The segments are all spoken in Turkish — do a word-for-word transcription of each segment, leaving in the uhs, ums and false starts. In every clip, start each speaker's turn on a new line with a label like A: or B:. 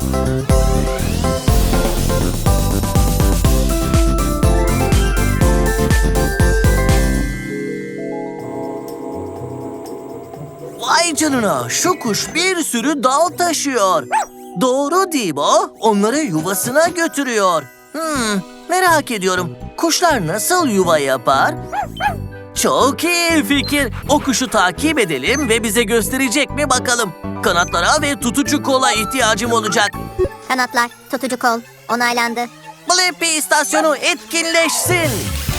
A: Vay canına, şu kuş bir sürü dal taşıyor. Doğru Dibo, onları yuvasına götürüyor. Hmm, merak ediyorum, kuşlar nasıl yuva yapar? Çok iyi fikir. O kuşu takip edelim ve bize gösterecek mi bakalım. Kanatlara ve tutucu kola ihtiyacım olacak.
B: Kanatlar, tutucu kol, onaylandı.
A: Blippi istasyonu etkinleşsin.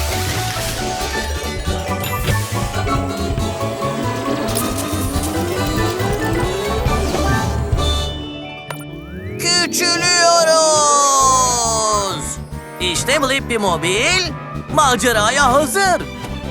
A: Küçülüyoruz. İşte Blippi Mobil maceraya hazır.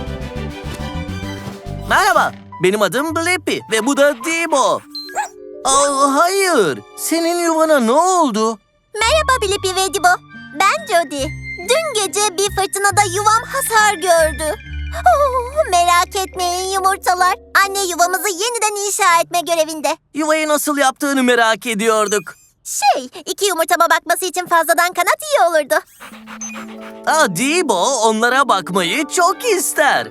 A: Merhaba, benim adım Blippi ve bu da Dibo. Aa, hayır, senin yuvana ne oldu?
B: Merhaba Blippi ve Dibo. Ben Jody. Dün gece bir fırtınada yuvam hasar gördü. Oh, merak etmeyin yumurtalar. Anne yuvamızı yeniden inşa etme görevinde.
A: Yuvayı nasıl yaptığını merak ediyorduk.
B: Şey, iki yumurtama bakması için fazladan kanat iyi olurdu.
A: Aa, Dibo onlara bakmayı çok ister.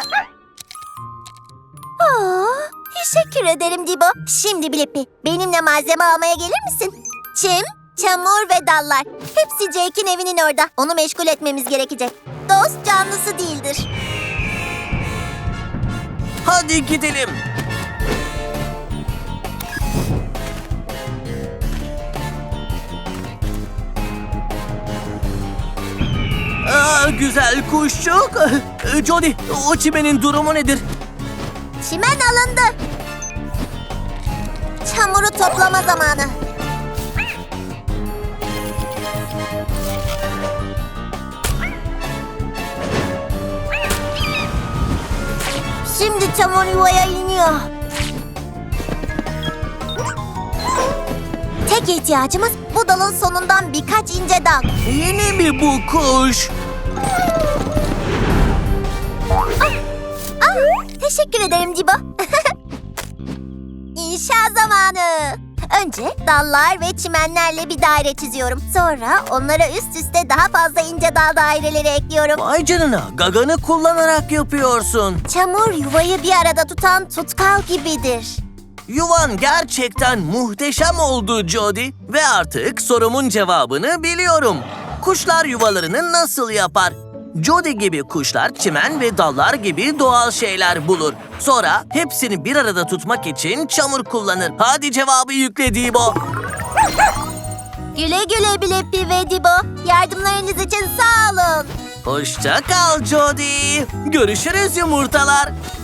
B: Aa, teşekkür ederim Dibo. Şimdi Blippi, benimle malzeme almaya gelir misin? Çim, çamur ve dallar. Hepsi Jake'in evinin orada. Onu meşgul etmemiz gerekecek. Dost canlısı değildir.
A: Hadi gidelim. Aa, güzel kuşçuk. Jody, o çimenin durumu nedir?
B: Çimen alındı. Çamuru toplama zamanı. Şimdi çamur yuvaya iniyor. Tek ihtiyacımız bu dalın sonundan birkaç ince dal.
A: Yeni mi bu kuş?
B: Ah, teşekkür ederim Dibo. İnşa zamanı. Önce dallar ve çimenlerle bir daire çiziyorum. Sonra onlara üst üste daha fazla ince dal daireleri ekliyorum.
A: Vay canına, gaganı kullanarak yapıyorsun.
B: Çamur yuvayı bir arada tutan tutkal gibidir.
A: Yuvan gerçekten muhteşem oldu Jody. Ve artık sorumun cevabını biliyorum. Kuşlar yuvalarını nasıl yapar? Jody gibi kuşlar çimen ve dallar gibi doğal şeyler bulur. Sonra hepsini bir arada tutmak için çamur kullanır. Hadi cevabı yükle Dibo.
B: Güle güle Blippi ve Dibo. Yardımlarınız için sağ olun.
A: Hoşça kal Jody. Görüşürüz yumurtalar.